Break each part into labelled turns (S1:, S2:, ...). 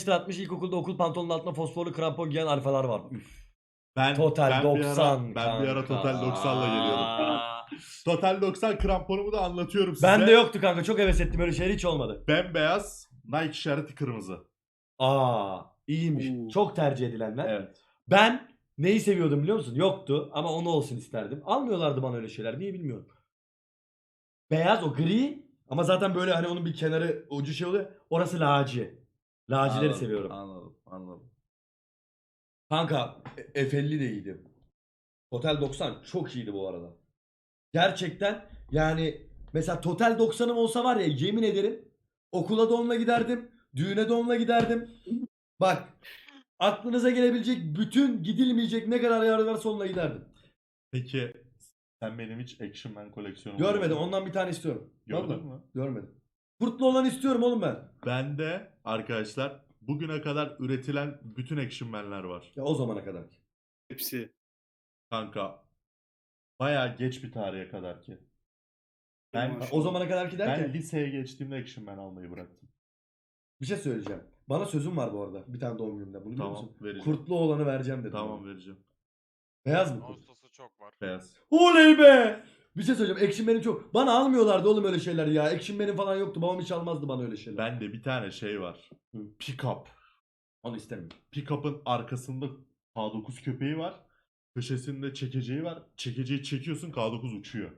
S1: atmış ilkokulda okul pantolonun altına fosforlu krampon giyen alfalar var. Üf.
S2: Ben
S1: Total
S2: ben
S1: 90
S2: bir ara Total 90'la geliyordum.
S1: Aa.
S2: Total 90 kramponumu da anlatıyorum size.
S1: Bende yoktu kanka, çok heves ettim, öyle şeyler hiç olmadı.
S2: Bembeyaz, Nike işareti kırmızı.
S1: Aa, iyiymiş. Çok tercih edilenler.
S2: Evet.
S1: Ben neyi seviyordum biliyor musun? Yoktu ama onu olsun isterdim. Almıyorlardı bana öyle şeyler. Niye bilmiyorum. Beyaz, o gri ama zaten böyle hani onun bir kenarı ucu şey oluyor. Orası laci. Lacileri
S2: Anladım,
S1: seviyorum.
S2: Anladım.
S1: Kanka F50 de iyiydi. Total 90 çok iyiydi bu arada. Gerçekten yani mesela Total 90'ım olsa var ya, yemin ederim okula da onunla giderdim. Düğüne de onunla giderdim. Bak, aklınıza gelebilecek bütün gidilmeyecek ne kadar yer varsa onunla giderdim.
S2: Peki sen benim hiç Action Man koleksiyonumu
S1: Görmedim,
S2: gördün mü?
S1: ondan bir tane istiyorum.
S2: Gördün
S1: Vallahi
S2: mü?
S1: görmedim. Kurtlu olan istiyorum oğlum ben.
S2: Bende arkadaşlar bugüne kadar üretilen bütün Action Man'ler var.
S1: Ya o zamana kadar.
S3: Hepsi.
S2: Kanka bayağı geç bir tarihe kadar ki. Ben
S3: Maşallah.
S1: O zamana kadar ki derken
S2: ben liseye geçtiğimde Action Man almayı bıraktım.
S1: bir şey söyleyeceğim. Bana sözüm var bu arada. Bir tane doğum günümde. Bunu biliyor
S2: Tamam,
S1: musun?
S2: vereceğim.
S1: Kurtlu olanı vereceğim dedim.
S2: Tamam,
S1: bana.
S2: vereceğim.
S1: Beyaz mı kurt?
S4: Ağustos'u çok var.
S2: Beyaz.
S1: Oley be! Bir şey söyleyeceğim. Action Man'im çok. Bana almıyorlardı oğlum öyle şeyler ya. Action Man'im falan yoktu. Babam hiç almazdı bana öyle şeyler.
S2: Bende bir tane şey var.
S1: Hı.
S2: Pick-up.
S1: Onu istemiyorum.
S2: Pick-up'ın arkasında K9 köpeği var. Köşesinde çekeceği var. Çekeceği çekiyorsun, K9 uçuyor.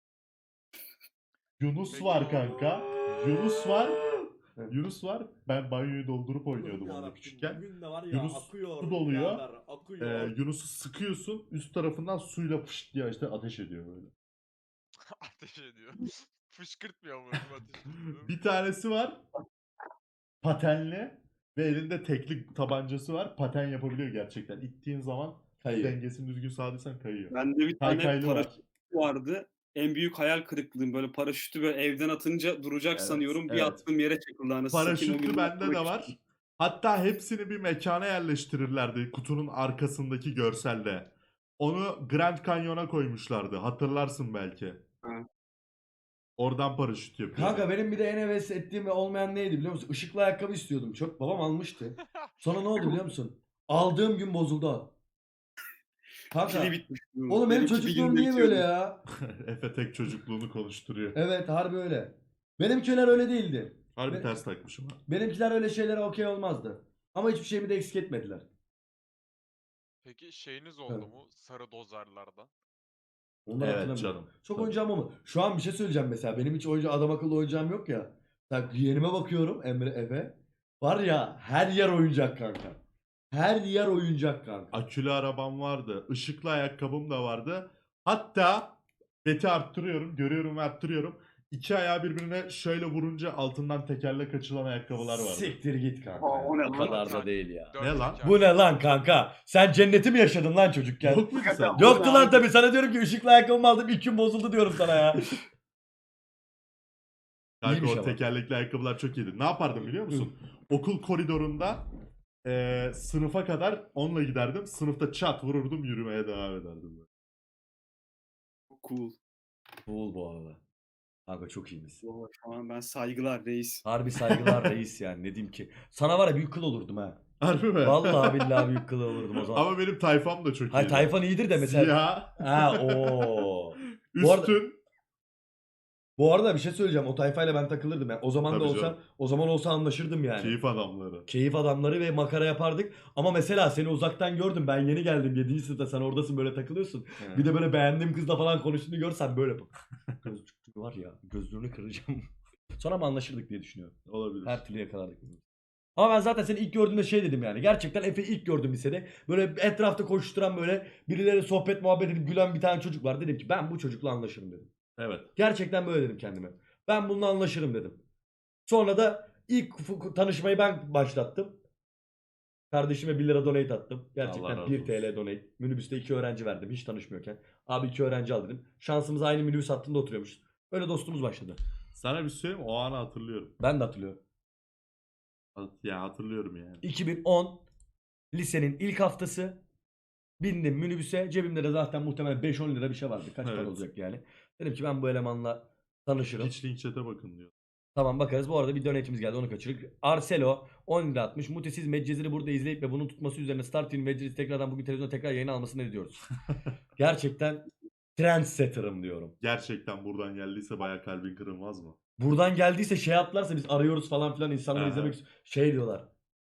S2: Yunus
S4: Peki
S2: var
S4: o-
S2: kanka. Yunus var.
S1: Evet.
S2: Yunus var. Ben banyoyu doldurup oynuyordum onunla küçükken.
S1: Bugün de var ya,
S2: Yunus
S1: akıyor.
S2: su doluyor.
S1: birader, akıyor.
S2: Yunus'u sıkıyorsun. Üst tarafından suyla fışt diye işte ateş ediyor böyle.
S4: Ateş ediyor. Fışkırtmıyor mu ateş ediyor?
S2: Bir tanesi var. Patenli. Ve elinde tekli tabancası var. Paten yapabiliyor gerçekten. İttiğin zaman
S1: Kayıyor.
S2: dengesini düzgün sağladıysan kayıyor.
S3: Bende bir tane
S2: Kaykaylı var.
S3: paraşüt vardı. En büyük hayal kırıklığım, böyle paraşütü böyle evden atınca duracak
S2: Evet,
S3: sanıyorum. Bir
S2: evet.
S3: attığım yere çakıldı anasını satayım, o
S2: Paraşütlü
S3: gün
S2: bende de
S3: yapmak
S2: var.
S3: istedim.
S2: Hatta hepsini bir mekana yerleştirirlerdi kutunun arkasındaki görselde. Onu Grand Canyon'a koymuşlardı. Hatırlarsın belki.
S3: Ha.
S2: Oradan paraşüt yapıyordu.
S1: Kanka benim bir de en heves ettiğim ve olmayan neydi biliyor musun? Işıklı ayakkabı istiyordum çok. Babam almıştı. Sonra ne oldu biliyor musun? Aldığım gün bozuldu o. Kanka.
S3: Pili bitmiş.
S1: Oğlum benim
S3: Benimki bir
S1: çocukluğum
S3: günde
S1: niye böyle
S3: bitiyordu.
S1: ya?
S2: Efe tek çocukluğunu konuşturuyor.
S1: Evet, harbi öyle. Benimkiler öyle değildi.
S2: Harbi
S1: Be-
S2: ters takmışım ha.
S1: Benimkiler öyle şeylere okey olmazdı. Ama hiçbir şeyimi de eksik etmediler.
S4: Peki şeyiniz oldu mu? Sarı dozerlerden.
S1: Onları
S2: Evet
S1: hatırlamıyorum.
S2: canım.
S1: Çok
S2: Tabii.
S1: oyuncağım olmadı. Şu an bir şey söyleyeceğim mesela. Benim hiç adam akıllı oyuncağım yok ya. Bak yeğenime bakıyorum, Emre, Efe. Var ya, her yer oyuncak kanka. Her yer oyuncak kanka.
S2: Akülü arabam vardı. Işıklı ayakkabım da vardı. Hatta beti arttırıyorum. Görüyorum ve arttırıyorum. İki ayağı birbirine şöyle vurunca altından tekerlek açılan ayakkabılar vardı.
S1: Siktir git kanka.
S3: Aa, o ne
S1: O
S3: lan?
S1: kadar da değil ya.
S4: Dört
S2: Ne lan?
S4: teker.
S1: Bu ne lan kanka? Sen cenneti mi yaşadın lan çocukken?
S2: Yok muydu sen?
S1: Yoktu lan tabii. Sana diyorum ki ışıklı ayakkabımı aldım, ilk gün bozuldu diyorum sana ya.
S2: Kanka
S1: İyiymiş
S2: o
S1: ama.
S2: tekerlekli ayakkabılar çok iyiydi. Ne yapardım biliyor musun? Okul koridorunda sınıfa kadar onunla giderdim. Sınıfta çat vururdum, yürümeye devam ederdim.
S3: Cool.
S1: Cool bu arada. Kanka çok iyiymiş.
S3: Vay, şu an ben saygılar reis.
S1: Harbi saygılar reis yani, ne diyeyim ki. Sana var ya büyük kıl olurdum ha.
S2: Harbi mi?
S1: Vallahi billahi büyük kıl olurdum o zaman.
S2: Ama benim tayfam da çok iyiydi.
S1: Hayır, tayfan iyidir de mesela.
S2: Siyah,
S1: Ha o. Bu arada-
S2: üstün.
S1: Bu arada bir şey söyleyeceğim. O tayfayla ben takılırdım. Yani o zaman da
S2: Tabii
S1: olsa,
S2: canım.
S1: o zaman olsa anlaşırdım yani.
S2: Keyif adamları.
S1: Keyif adamları ve makara yapardık. Ama mesela seni uzaktan gördüm. Ben yeni geldim 7. sınıfta. Sen oradasın, böyle takılıyorsun. Bir de böyle beğendiğim kızla falan konuştuğunu görsen böyle bak. Gözlüklü var ya, gözlüğünü kıracağım. Sonra mı anlaşırdık diye düşünüyorum.
S2: Olabilir.
S1: Her türlü yakalardık. Ama ben zaten seni ilk gördüğümde şey dedim yani. Gerçekten Efe'yi ilk gördüm lisede. Böyle etrafta koşturan, böyle birileri sohbet muhabbet edip gülen bir tane çocuk var. Dedim ki ben bu çocukla anlaşırım dedim.
S2: Evet.
S1: Gerçekten böyle dedim kendime. Ben bununla anlaşırım dedim. Sonra da ilk tanışmayı ben başlattım. Kardeşime 1 lira donate attım.
S2: Allah
S1: Gerçekten
S2: razı
S1: 1
S2: olsun.
S1: TL donate. Minibüste 2 öğrenci verdim hiç tanışmıyorken. Abi 2 öğrenci al dedim. Şansımız aynı minibüs hattında oturuyormuşuz. Öyle dostluğumuz başladı.
S2: Sana bir şey söyleyeyim mi? O anı hatırlıyorum.
S1: Ben de hatırlıyorum.
S2: Ya hatırlıyorum yani.
S1: 2010 lisenin ilk haftası. Bindim minibüse. Cebimde de zaten muhtemelen 5-10 lira bir şey vardı. Kaç para
S2: Evet.
S1: olacak yani. Dedim ki ben bu elemanla tanışırım.
S2: Hiç link chat'e bakın diyor.
S1: Tamam bakarız. Bu arada bir donate'imiz geldi, onu kaçırdık. Arcelo 10 lira atmış. Muti siz Medcezir'i burada izleyip ve bunun tutması üzerine Star TV Medcezir'i tekrardan bugün televizyona tekrar yayına almasını ne diyoruz? Gerçekten trendsetter'ım diyorum.
S2: Gerçekten buradan geldiyse baya kalbin kırılmaz mı?
S1: Buradan geldiyse şey yaptılarsa biz arıyoruz falan filan insanları
S2: Aha.
S1: izlemek şey diyorlar.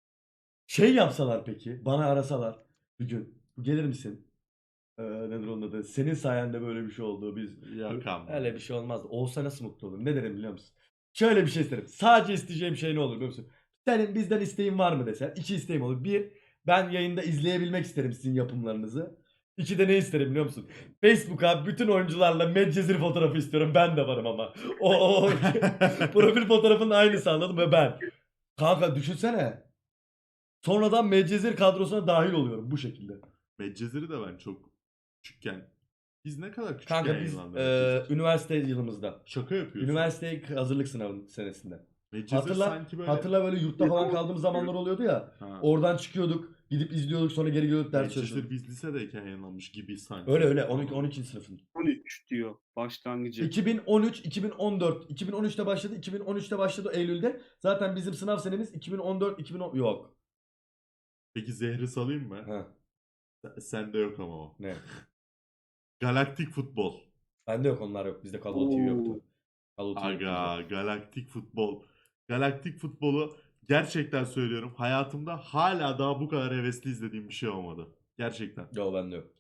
S1: Şey yapsalar peki, bana arasalar bir gün gelir misin? Nedir onun adı? Senin sayende böyle bir şey oldu. Biz
S2: Yok ama.
S1: öyle bir şey olmaz. Olsa nasıl mutlu olurum? Ne derim biliyor musun? Şöyle bir şey isterim. Sadece isteyeceğim şey ne olur biliyor musun? Senin bizden isteğin var mı desen. 2 isteğim olur. Bir, ben yayında izleyebilmek isterim sizin yapımlarınızı. 2 de ne isterim biliyor musun? Facebook'a bütün oyuncularla Medcezir fotoğrafı istiyorum. Ben de varım ama. O profil fotoğrafının aynısı, anladın mı? Ben. Kanka düşünsene. Sonradan Medcezir kadrosuna dahil oluyorum bu şekilde.
S2: Medcezir'i de ben çok küçükken. Biz ne kadar küçükken
S1: Kanka biz
S2: yayınlandı Medcezir?
S1: üniversite yılımızda.
S2: Şaka yapıyorsun.
S1: Üniversite hazırlık sınavı senesinde.
S2: Medcezir
S1: Hatırla,
S2: sanki böyle...
S1: hatırla böyle yurtta falan kaldığımız zamanlar oluyordu ya.
S2: Ha.
S1: Oradan çıkıyorduk, gidip izliyorduk, sonra geri gelip ders
S2: Medcezir
S1: çalışıyorduk.
S2: biz lisedeyken yayınlanmış gibi sanki.
S1: Öyle öyle 12 12. sınıfın.
S3: 13 diyor başlangıcı.
S1: 2013, 2014. 2013'te başladı. 2013'te başladı Eylül'de. Zaten bizim sınav senemiz 2014, 2010 yok.
S2: Peki zehri salayım mı?
S1: Ha,
S2: Sende yok ama o.
S1: ne?
S2: Galaktik futbol.
S1: Bende yok, onlar yok. Bizde Call of TV yoktu. Call of TV yoktu bizde.
S2: Aga, galaktik futbol. Galaktik futbolu gerçekten söylüyorum. Hayatımda hala daha bu kadar hevesli izlediğim bir şey olmadı. Gerçekten.
S1: Yok, bende yok.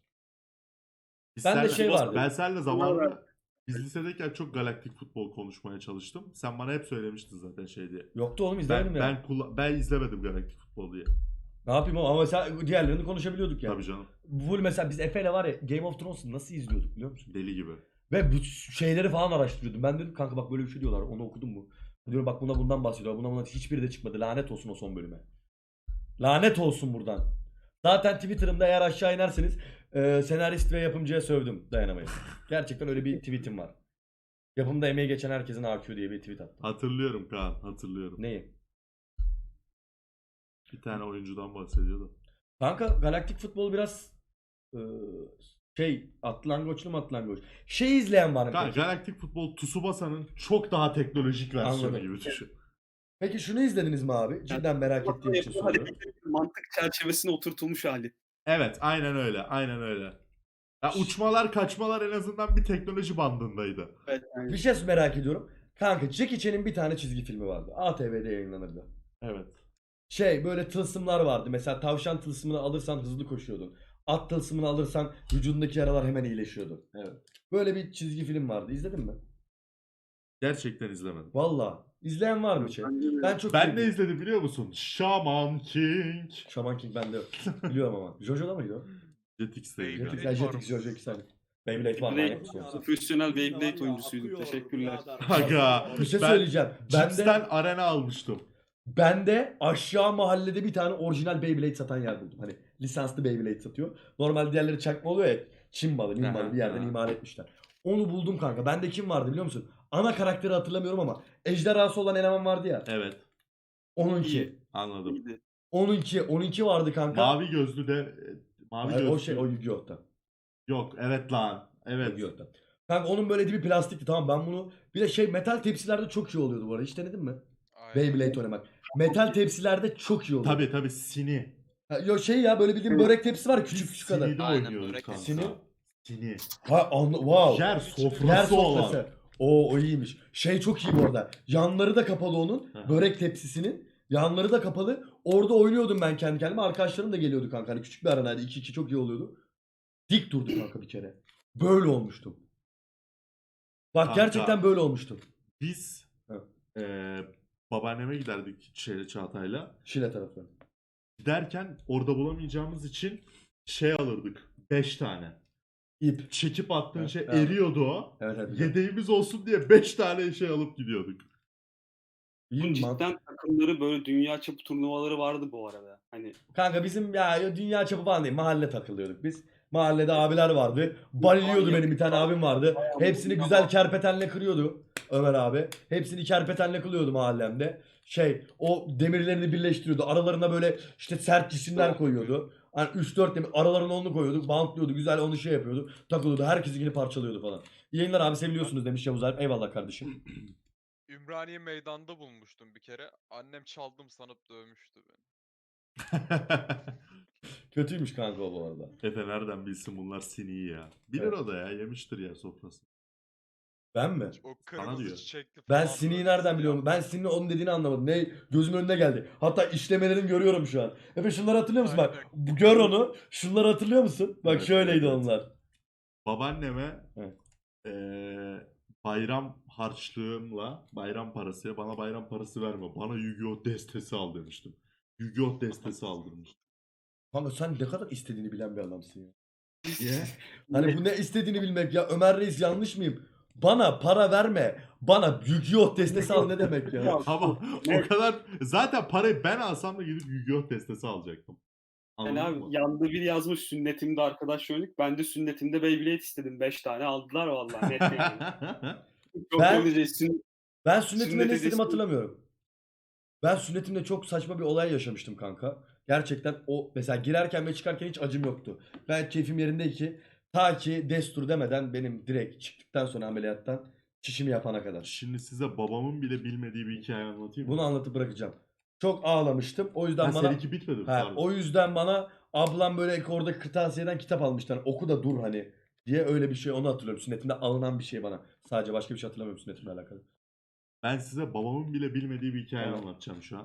S2: Biz
S1: Bende
S2: senle-
S1: şey vardı.
S2: Ben seninle zamanında biz lisedeyken çok galaktik futbol konuşmaya çalıştım. Sen bana hep söylemiştin zaten şey diye.
S1: Yoktu oğlum, izlemedim ya.
S2: Ben izlemedim galaktik futbol diye.
S1: Ne yapayım oğlum, ama mesela diğerlerini konuşabiliyorduk yani.
S2: Tabii canım.
S1: Full mesela biz Efe'yle var ya Game of Thrones'u nasıl izliyorduk biliyor musun?
S2: Deli gibi.
S1: Ve bu şeyleri falan araştırıyordum. Ben dedim kanka bak böyle bir şey diyorlar. Onu okudun mu? Diyorum bak bundan bahsediyor. Buna hiçbiri de çıkmadı. Lanet olsun o son bölüme. Lanet olsun buradan. Zaten Twitter'ımda eğer aşağı inerseniz senarist ve yapımcıya sövdüm dayanamayın. Gerçekten öyle bir tweetim var. Yapımda emeği geçen herkesin AQ diye bir tweet attım.
S2: Hatırlıyorum Kaan, hatırlıyorum.
S1: Neyi?
S2: Bir tane oyuncudan bahsediyordu.
S1: Kanka galaktik futbol biraz atlangoçlu mu atlangoç? Şey izleyen var mı
S2: Kaan,
S1: peki?
S2: galaktik futbol Tsubasa'nın çok daha teknolojik versiyonu
S1: Anladım.
S2: gibi düşün.
S1: Peki şunu izlediniz mi abi? Cidden merak ettiğim için soruyorum.
S3: Mantık çerçevesine oturtulmuş hali.
S2: Evet, aynen öyle, aynen öyle. Ya uçmalar, kaçmalar en azından bir teknoloji bandındaydı.
S3: Evet, yani.
S1: Bir şey merak ediyorum. Kanka Jackie Chan'in bir tane çizgi filmi vardı. ATV'de yayınlanırdı.
S2: Evet.
S1: Şey böyle tılsımlar vardı. Mesela tavşan tılsımını alırsan hızlı koşuyordun. At tılsımını alırsan vücudundaki yaralar hemen iyileşiyordu.
S2: Evet.
S1: Böyle bir çizgi film vardı. İzledin mi?
S2: Gerçekten izlemedim.
S1: Valla. İzleyen var mı şey? Ben çok
S2: Ben ne
S1: sevdim.
S2: izledim biliyor musun? Shaman King.
S1: Shaman King bende yok. Biliyorum ama. Jojo'da mıydı o?
S2: Jetix'teydi.
S1: Jetix,
S4: Beyblade var
S1: Jetix,
S4: mı?
S1: Jojo 2 tane. Beyblade var.
S3: Beyblade-
S1: manyak mısın yoksa?
S3: Profesyonel Beyblade oyuncusuyduk. Teşekkürler.
S2: Aga.
S1: Bir şey
S2: ben
S1: söyleyeceğim.
S2: Cips'ten arena almıştım.
S1: Ben de aşağı mahallede bir tane orijinal Beyblade satan yer buldum. Hani lisanslı Beyblade satıyor. Normal diğerleri çakma oluyor ya. Çin malı, Min malı bir yerden
S2: Aha.
S1: imal etmişler. Onu buldum kanka. Bende kim vardı biliyor musun? Ana karakteri hatırlamıyorum ama ejderhası olan eleman vardı ya.
S2: Evet.
S1: Onunki.
S2: Anladım.
S3: İyiydi.
S1: Onunki vardı kanka.
S2: Mavi gözlü de mavi
S1: Hayır,
S2: gözlü.
S1: o şey o Yu-Gi-Oh'ta.
S2: Yok, evet lan. Evet.
S1: Yu-Gi-Oh'ta. Kanka onun böyle dibi plastikti, tamam ben bunu bir de şey metal tepsilerde çok iyi oluyordu bu arada. Hiç denedin mi?
S4: Aynen.
S1: Beyblade oynamak. Metal tepsilerde çok iyi oluyor.
S2: Tabii Sini.
S1: Yo şey ya böyle bildiğin börek tepsi var ya, küçük küçük kadar.
S2: Sini'de
S5: Aynen,
S2: oynuyorduk
S5: börek
S2: kanka.
S1: Sini?
S2: Sini.
S1: Ha wow.
S2: Yer sofrası
S1: Yer
S2: olan.
S1: sofrası. O iyiymiş. Şey çok iyi bu arada. Yanları da kapalı onun.
S2: Hı.
S1: Börek tepsisinin. Yanları da kapalı. Orada oynuyordum ben kendi kendime. Arkadaşlarım da geliyordu kanka. Hani küçük bir aranaydı. 2-2 çok iyi oluyordu. Dik durdu kanka bir kere. Böyle olmuştum. Bak
S2: Kanka.
S1: gerçekten böyle olmuştum.
S2: Biz
S1: Evet.
S2: babaanneme giderdik Çağatay'la.
S1: Şile tarafı.
S2: Giderken orada bulamayacağımız için şey alırdık. 5 tane.
S1: İp.
S2: Çekip attığın
S1: Evet,
S2: şey
S1: evet.
S2: eriyordu o.
S1: Evet evet. güzel.
S2: Yedeğimiz olsun diye 5 tane şey alıp gidiyorduk.
S1: İyi
S3: Bunun
S1: mi lan?
S3: cidden takımları böyle dünya çapı turnuvaları vardı bu arada. Hani
S1: Kanka bizim ya dünya çapı falan değil. Mahalle takılıyorduk biz. Mahallede abiler vardı. Baliliyordu benim bir tane abim vardı. Hepsini güzel kerpetenle kırıyordu Ömer abi. Hepsini kerpetenle kılıyordu mahallemde. Şey o demirlerini birleştiriyordu. Aralarına böyle işte sert cisimler koyuyordu. Hani 3-4 demir aralarına onu koyuyordu. Bantlıyordu. Güzel onu şey yapıyordu. Takılıyordu. Herkesi yine parçalıyordu falan. İyi yayınlar abi, seviliyorsunuz demiş Yavuz Alp. Eyvallah kardeşim.
S4: Ümraniye meydanda bulmuştum bir kere. Annem çaldım sanıp dövmüştü beni.
S1: Kötüymüş kanka o bu arada.
S2: Efe nereden bilsin bunlar siniyi ya. Bilir
S1: Evet.
S2: o da ya, yemiştir ya sofrası.
S1: Ben mi?
S4: O kırmızı
S2: diyor.
S4: çiçekli
S1: Ben
S4: falan
S1: Sini'yi
S4: böyle
S1: nereden biliyorum? Ben
S4: siyah.
S1: Sini'nin onun dediğini anlamadım. Ne gözümün önüne geldi. Hatta işlemelerini görüyorum şu an. Efe şunları hatırlıyor musun? Bak
S4: Aynen.
S1: gör onu. Şunları hatırlıyor musun? Bak
S2: Evet,
S1: şöyleydi
S2: evet, evet.
S1: onlar.
S2: Babaanneme
S1: Evet.
S2: bayram harçlığımla bayram parası, bana bayram parası verme, bana Yu-Gi-Oh destesi al demiştim. Yu-Gi-Oh destesi aldırmış.
S1: Kanka sen ne kadar istediğini bilen bir adamsın ya.
S2: Niye?
S1: Hani bu ne istediğini bilmek ya. Ömer Reis yanlış mıyım? Bana para verme. Bana Yu-Gi-Oh destesi al ne demek ya?
S3: Ya,
S2: Ama
S3: Evet.
S2: o kadar zaten parayı ben alsam da gidip Yu-Gi-Oh destesi alacaktım.
S3: Yani
S2: Anladın
S3: abi
S2: mı?
S3: yanında biri yazmış sünnetimde arkadaş oynadık. Ben de sünnetimde Beyblade istedim. 5 tane aldılar vallahi net yani. Çok
S1: Ben-
S3: öyle sünnet
S1: Ben sünnetimde
S3: Sünnet
S1: ne istediğimi
S3: hediyesi-
S1: hatırlamıyorum. Ben sünnetimde çok saçma bir olay yaşamıştım kanka. Gerçekten o mesela girerken ve çıkarken hiç acım yoktu. Ben keyfim yerindeydi ki ta ki destur demeden benim direkt çıktıktan sonra ameliyattan çişimi yapana kadar.
S2: Şimdi size babamın bile bilmediği bir hikaye anlatayım mı?
S1: Bunu anlatıp bırakacağım. Çok ağlamıştım. O yüzden
S2: Ha,
S1: bana
S2: seninki bitmedi mi?
S1: ha,
S2: Pardon.
S1: o yüzden bana ablam böyle oradaki kırtasiyeden kitap almıştı. Hani oku da dur hani diye öyle bir şey onu hatırlıyorum. Sünnetimde alınan bir şey bana. Sadece başka bir şey hatırlamıyorum sünnetimle alakalı.
S2: Ben size babamın bile bilmediği bir hikaye
S1: Tamam.
S2: anlatacağım şu an.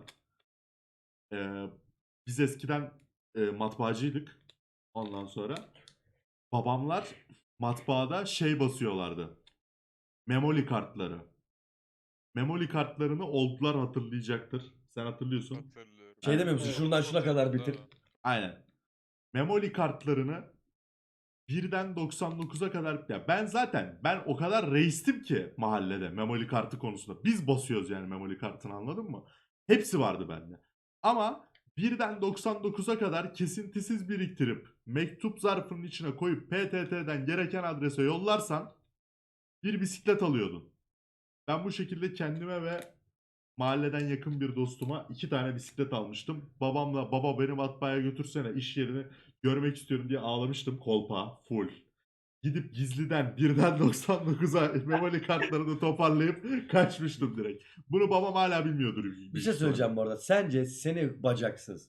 S2: Biz eskiden matbaacıydık. Ondan sonra babamlar matbaada şey basıyorlardı. Memoli kartları. Memoli kartlarını oldular hatırlayacaktır. Sen hatırlıyorsun.
S4: Hatırlıyorum.
S1: Şey demiyor musun?
S3: Evet.
S1: Şuradan şuna kadar
S4: Değil mi?
S1: bitir.
S2: Aynen. Memoli kartlarını 1'den 99'a kadar ya ben o kadar reistim ki mahallede memoli kartı konusunda. Biz basıyoruz yani memoli kartını, anladın mı? Hepsi vardı bende. Ama 1'den 99'a kadar kesintisiz biriktirip mektup zarfının içine koyup PTT'den gereken adrese yollarsan bir bisiklet alıyordun. Ben bu şekilde kendime ve mahalleden yakın bir dostuma 2 tane bisiklet almıştım. Babamla baba beni matbaaya götürsene iş yerini görmek istiyorum diye ağlamıştım, kolpa full. Gidip gizliden 1'den 99'a memoli kartlarını toparlayıp kaçmıştım direkt. Bunu babam hala bilmiyordur.
S1: Bir şey söyleyeceğim bu arada. Sence seni bacaksız.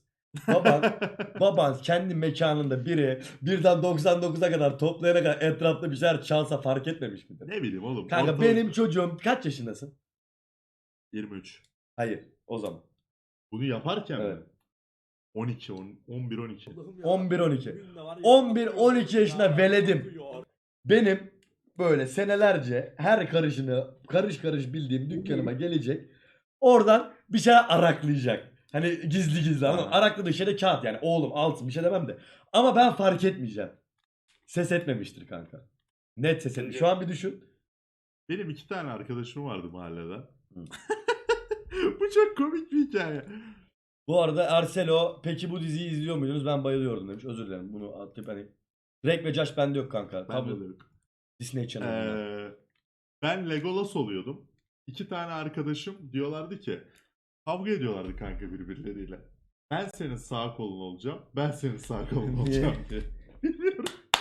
S1: Baban kendi mekanında biri 1'den 99'a kadar toplayana kadar etrafta bir şeyler çalsa fark etmemiş midir?
S2: Ne bileyim oğlum.
S1: Kanka
S2: ortalık-
S1: benim çocuğum kaç yaşındasın?
S2: 23.
S1: Hayır o zaman.
S2: Bunu yaparken
S1: Evet.
S2: mi? 12, 11, 12.
S1: 11-12. 11-12 yaşında veledim. Benim böyle senelerce her karışını karış karış bildiğim dükkanıma gelecek. Oradan bir şeyler araklayacak. Hani gizli gizli ama
S2: Ha.
S1: arakladığı şey de kağıt yani. Oğlum alsın bir şey demem de. Ama ben fark etmeyeceğim. Ses etmemiştir kanka. Net ses etmiş. Şu an bir düşün.
S2: Benim 2 tane arkadaşım vardı mahallede.
S1: Hı.
S2: Bu çok komik bir hikaye.
S1: Bu arada Arcelo peki bu diziyi izliyor muydunuz? Ben bayılıyordum demiş. Özür dilerim. Bunu atıp hani Drake ve Josh bende yok kanka.
S2: Ben de
S1: Kablo
S2: yok.
S1: Disney Channel'da.
S2: Ben Legolas oluyordum. 2 tane arkadaşım diyorlardı ki kavga ediyorlardı kanka birbirleriyle. Ben senin sağ kolun olacağım. Ben senin sağ kolun olacağım diye. Bilmiyorum.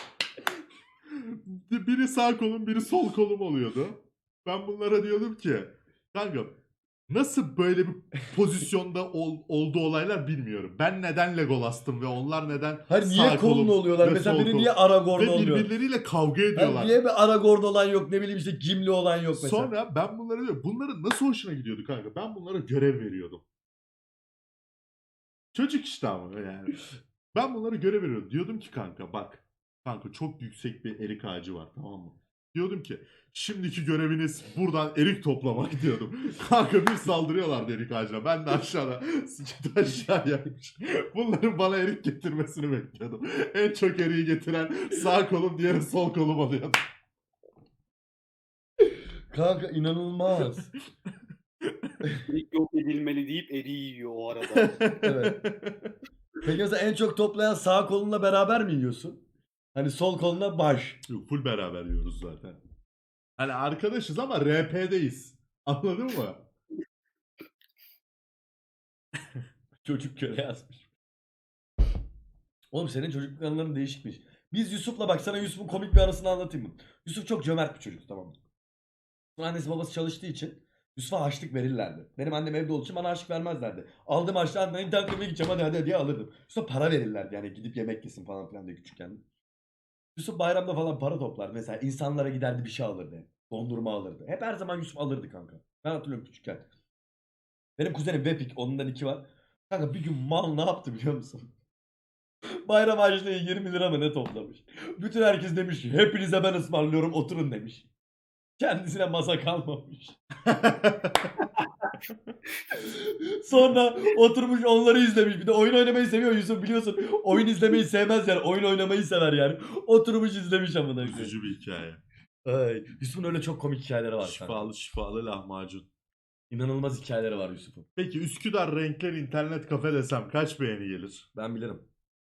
S2: Biri sağ kolum, biri sol kolum oluyordu. Ben bunlara diyordum ki kanka nasıl böyle bir pozisyonda olduğu olaylar bilmiyorum. Ben neden Legolas'tım ve onlar neden
S1: Hayır
S2: sağ
S1: niye kolun
S2: kolum
S1: oluyorlar?
S2: ve
S1: Mesela
S2: sol
S1: biri
S2: kolum?
S1: niye Aragorn
S2: Ve
S1: oluyor?
S2: birbirleriyle kavga
S1: Hayır,
S2: ediyorlar.
S1: niye bir Aragorn olan yok? Ne bileyim işte Gimli olan yok mesela.
S2: Sonra ben bunlara diyorum. Bunların nasıl hoşuna gidiyordu kanka? Ben bunlara görev veriyordum. Çocuk işte ama yani. Ben bunlara görev veriyordum. Diyordum ki kanka bak. Kanka çok yüksek bir erik ağacı var, tamam mı? Diyordum ki şimdiki göreviniz buradan erik toplamak diyordum. Kanka bir saldırıyorlardı erik ağacına. Ben de aşağıda sıçıda aşağıyaymış. Bunların bana erik getirmesini bekliyordum. En çok eriği getiren sağ kolum, diğeri sol kolum oluyordu.
S1: Kanka inanılmaz.
S3: İlk yok edilmeli deyip eriği yiyor o arada.
S1: Evet. Peki mesela en çok toplayan sağ kolunla beraber mi yiyorsun? Hani sol koluna baş.
S2: Yok, full beraber yiyoruz zaten. Hani arkadaşız ama RP'deyiz. Anladın mı?
S1: Çocuk köle yazmış. Oğlum senin çocukluk anıların değişikmiş. Biz Yusuf'la bak sana Yusuf'un komik bir anısını anlatayım mı? Yusuf çok cömert bir çocuk, tamam mı? Annesi babası çalıştığı için Yusuf'a harçlık verirlerdi. Benim annem evde olduğu için bana harçlık vermezlerdi. Aldığım harçlığı annemden internet kafeye gideceğim hadi diye alırdım. Yusuf'a para verirlerdi yani gidip yemek yesin falan filan diye küçükken. Yusuf bayramda falan para toplardı. Mesela insanlara giderdi bir şey alırdı. Dondurma alırdı. Hep her zaman Yusuf alırdı kanka. Ben hatırlıyorum küçükken. Benim kuzenim Vepik. Ondan 2 var. Kanka bir gün mal ne yaptı biliyor musun? Bayram harçlığı 20 lira mı ne toplamış. Bütün herkes demiş ki hepinize ben ısmarlıyorum oturun demiş. Kendisine masa kalmamış. Sonra oturmuş onları izlemiş. Bir de oyun oynamayı seviyor Yusuf biliyorsun. Oyun izlemeyi sevmez yani. Oyun oynamayı sever yani. Oturmuş izlemiş amına koyayım.
S2: Üzücü bir hikaye.
S1: Ay, Yusuf'un öyle çok komik hikayeleri var kanka.
S2: Şifalı şifalı lahmacun.
S1: İnanılmaz hikayeleri var Yusuf'un.
S2: Peki Üsküdar Renkler internet kafe desem kaç beğeni gelir?
S1: Ben bilirim.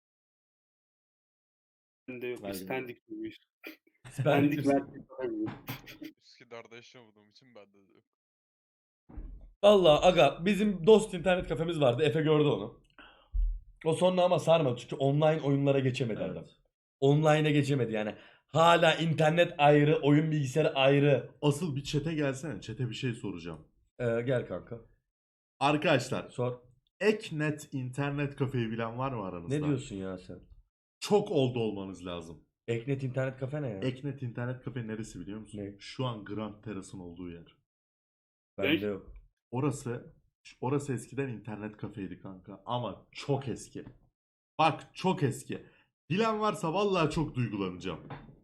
S3: Bende yok.
S1: Ben
S3: İspendik miymiş?
S1: Ben
S3: İspendik merkez.
S4: Üsküdar'da yaşamadığım için bende de yok.
S1: Valla aga bizim dost internet kafemiz vardı. Efe gördü onu. O sonra ama sarmadı çünkü online oyunlara geçemedi
S2: Evet.
S1: adam. Online'a geçemedi yani. Hala internet ayrı, oyun bilgisayarı ayrı.
S2: Asıl bir çete gelsene. Çete bir şey soracağım.
S1: Gel kanka.
S2: Arkadaşlar
S1: Sor.
S2: Eknet internet kafeyi bilen var mı aranızda?
S1: Ne diyorsun ya sen?
S2: Çok oldu olmanız lazım.
S1: Eknet internet kafe ne ya?
S2: Eknet internet kafe neresi biliyor musun?
S1: Ne?
S2: Şu an Grand Terrace'ın olduğu yer.
S1: Bende yok.
S2: Orası eskiden internet kafeydi kanka. Ama çok eski. Bak çok eski. Bilen varsa vallahi çok duygulanacağım.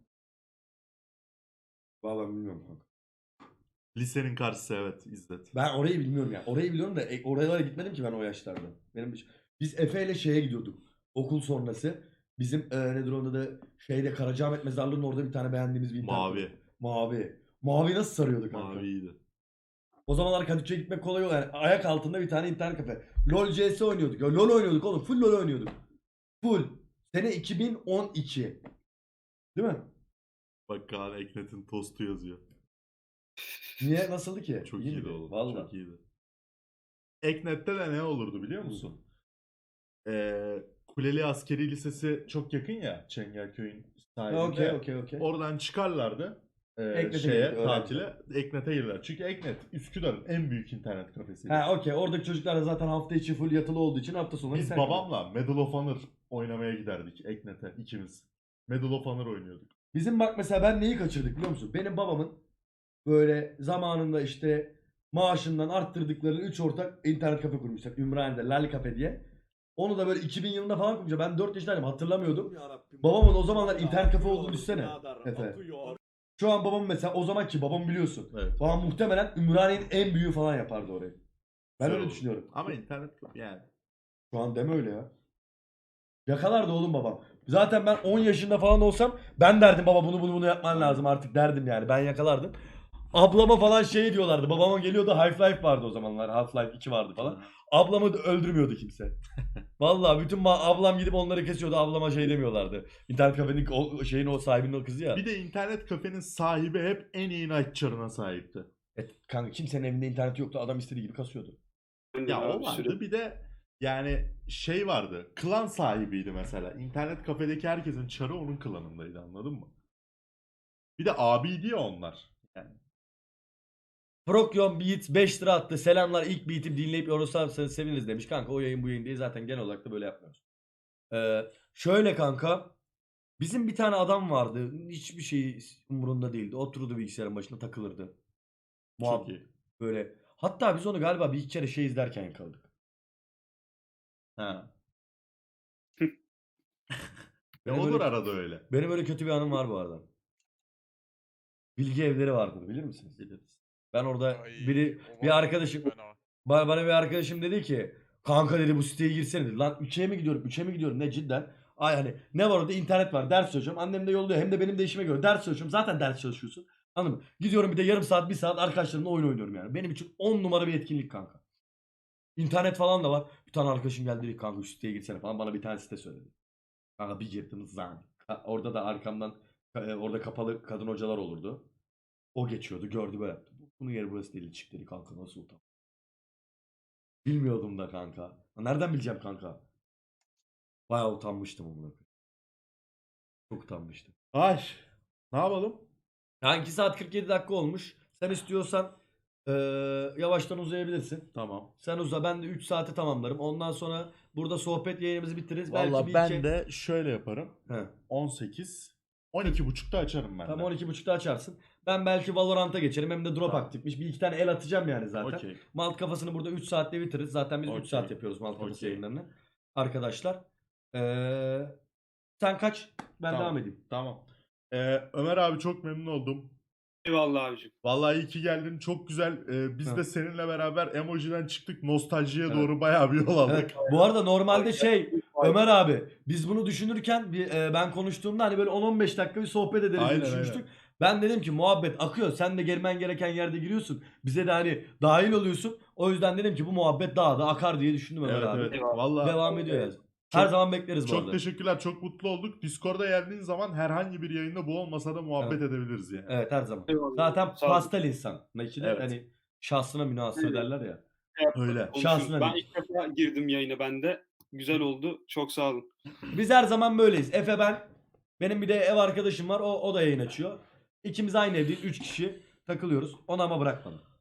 S1: Vallahi bilmiyorum kanka.
S2: Lisenin karşısı evet İzzet.
S1: Ben orayı bilmiyorum ya. Orayı biliyorum da oralara gitmedim ki ben o yaşlarda. Biz Efe ile şeye gidiyorduk. Okul sonrası. Bizim nedir onda da şeyde Karacaahmet Mezarlığı'nın orada bir tane beğendiğimiz bir internet
S2: Mavi.
S1: kafe. Mavi. Mavi nasıl sarıyordu kanka?
S2: Maviydi.
S1: O zamanlar Kadıköy'e gitmek kolay oldu. Yani ayak altında bir tane internet kafe. LoL CS oynuyorduk. Ya LoL oynuyorduk oğlum. Full LoL oynuyorduk. Full. Sene 2012. Değil mi?
S2: Bak Kaan Eknet'in tostu yazıyor.
S1: Niye? Nasıldı ki?
S2: Çok
S1: İyi
S2: iyiydi
S1: miydi?
S2: oğlum.
S1: Vallahi.
S2: Çok iyiydi. Eknet'te de ne olurdu biliyor musun? Kuleli Askeri Lisesi çok yakın ya Çengelköy'ün sahilinde.
S1: Okey.
S2: Oradan çıkarlardı
S1: Eknet'e
S2: şeye
S1: gelirdi,
S2: tatile. Eknet'e girdiler. Çünkü Eknet Üsküdar'ın en büyük internet kafesiydi.
S1: Ha okey. Oradaki çocuklar da zaten hafta içi full yatılı olduğu için hafta sonları
S2: Biz
S1: internet
S2: babamla Medal of Honor oynamaya giderdik Eknet'e ikimiz. Medal of Honor oynuyorduk.
S1: Bizim bak mesela ben neyi kaçırdık biliyor musun? Benim babamın böyle zamanında işte maaşından arttırdıkları 3 ortak internet kafe kurmuşlar. Ümraniye'de Lal Cafe diye. Onu da böyle 2000 yılında falan kurmuşlar. Ben 4 yaşındaydım hatırlamıyordum. Babamın o zamanlar internet kafe olduğunu düşünsene. Efe. Şu an babam mesela o zamanki babam biliyorsun.
S2: Evet.
S1: Babam muhtemelen Ümraniye'nin en büyüğü falan yapardı orayı. Ben
S2: Güzel
S1: öyle
S2: oldu.
S1: düşünüyorum.
S2: Ama internet kafe yani.
S1: Şu an deme öyle ya. Yakalardı oğlum babam. Zaten ben 10 yaşında falan olsam ben derdim baba bunu yapman lazım artık derdim yani. Ben yakalardım. Ablama falan şey diyorlardı. Babama geliyordu Half-Life vardı o zamanlar. Half-Life 2 vardı falan. Ablamı da öldürmüyordu kimse. Vallahi bütün ablam gidip onları kesiyordu. Ablama şey demiyorlardı. İnternet kafenin o şeyin o sahibinin o kızı ya.
S2: Bir de internet kafenin sahibi hep en iyi night çarına sahipti.
S1: Kanka kimsenin evinde internet yoktu. Adam istediği gibi kasıyordu.
S2: Ya o vardı bir de yani şey vardı. Klan sahibiydi mesela. İnternet kafedeki herkesin çarı onun klanındaydı anladın mı? Bir de abiydi ya onlar. Yani.
S1: Prokyon Beat 5 lira attı. Selamlar ilk beat'im dinleyip yorulsanız seviniriz demiş. Kanka o yayın bu yayın değil zaten genel olarak da böyle yapmıyoruz. Şöyle kanka. Bizim bir tane adam vardı. Hiçbir şey umurunda değildi. Otururdu bilgisayarın başında takılırdı.
S2: Çok
S1: Muhabbet
S2: iyi.
S1: böyle. Hatta biz onu galiba bir iki kere şey izlerken yakaladık.
S2: Ha.
S1: Benim
S2: Olur
S1: öyle-
S2: arada öyle.
S1: Benim öyle kötü bir anım var bu arada. Bilgi evleri vardır bilir misiniz?
S2: Biliriz.
S1: Ben orada
S4: Ay,
S1: bir
S4: o var ya,
S1: arkadaşım
S4: fena.
S1: bana bir arkadaşım dedi ki kanka dedi bu siteye girsene dedi. Lan 3'e mi gidiyorum? 3'e mi gidiyorum? Ne cidden? Ay hani ne var orada? İnternet var. Ders çalışıyorum. Annem de yolluyor. Hem de benim de işime göre. Ders çalışıyorum. Zaten ders çalışıyorsun. Anladın mı? Gidiyorum bir de yarım saat, bir saat arkadaşlarımla oyun oynuyorum yani. Benim için 10 numara bir etkinlik kanka. İnternet falan da var. Bir tane arkadaşım geldi dedi ki, kanka şu siteye girsene falan. Bana bir tane site söyledi. Kanka bir girdim zan. Orada da arkamdan orada kapalı kadın hocalar olurdu. O geçiyordu. Gördü böyle yaptı. Bunun yeri burası değil. Çık dedi kanka nasıl utan. Bilmiyordum da kanka. Nereden bileceğim kanka? Bayağı utanmıştım onunla. Çok utanmıştım.
S2: Ay. Ne yapalım?
S1: Yani 2 saat 47 dakika olmuş. Sen istiyorsan Yavaştan uzayabilirsin.
S2: Tamam.
S1: Sen uza, ben de 3 saate tamamlarım. Ondan sonra burada sohbet yayınımızı bitiririz. Belki
S2: Valla
S1: bir
S2: ben
S1: iki...
S2: de şöyle yaparım.
S1: He.
S2: 18 12.30'da açarım ben de.
S1: Tamam 12.30'da açarsın. Ben belki Valorant'a geçerim. Hem de drop
S2: Tamam.
S1: aktifmiş. Bir iki tane el atacağım yani zaten.
S2: Okey.
S1: Malt kafasını burada 3 saatte bitiririz. Zaten biz 3
S2: Okey.
S1: saat yapıyoruz Malt kafası
S2: Okey.
S1: yayınlarını. Arkadaşlar. Sen kaç? Ben
S2: Tamam.
S1: devam edeyim.
S2: Tamam. Ömer abi çok memnun oldum.
S3: Eyvallah abicim.
S2: Vallahi iyi ki geldin. Çok güzel. Biz
S1: Evet.
S2: de seninle beraber emojiden çıktık. Nostaljiye
S1: Evet.
S2: doğru bayağı bir yol aldık.
S1: Evet. Bu arada normalde Ömer abi biz bunu düşünürken ben konuştuğumda hani böyle 10-15 dakika bir sohbet ederiz diye
S2: Aynen,
S1: düşünmüştük. Ben dedim ki muhabbet akıyor. Sen de girmen gereken yerde giriyorsun. Bize de hani dahil oluyorsun. O yüzden dedim ki bu muhabbet daha da akar diye düşündüm Ömer
S2: Evet
S1: abi.
S2: evet.
S3: Eyvallah.
S2: Vallahi
S1: Devam ediyor yani. Her zaman bekleriz bu
S2: çok
S1: arada.
S2: teşekkürler. Çok mutlu olduk. Discord'a geldiğin zaman herhangi bir yayında bu olmasa da muhabbet edebiliriz yani.
S1: Evet her zaman.
S3: Eyvallah.
S1: Zaten
S3: Sağ olun.
S1: pastel insan. Nakide
S2: Evet.
S1: hani şahsına münhasır
S3: Evet.
S1: derler ya.
S2: Öyle.
S3: Konuşuruz.
S1: Şahsına
S3: Ben
S1: değil.
S3: ilk defa girdim yayına ben de. Güzel oldu. Çok sağ olun.
S1: Biz her zaman böyleyiz. Efe ben. Benim bir de ev arkadaşım var. O da yayın açıyor. İkimiz aynı evdeyiz. 3 kişi takılıyoruz. Onu ama bırakmadım.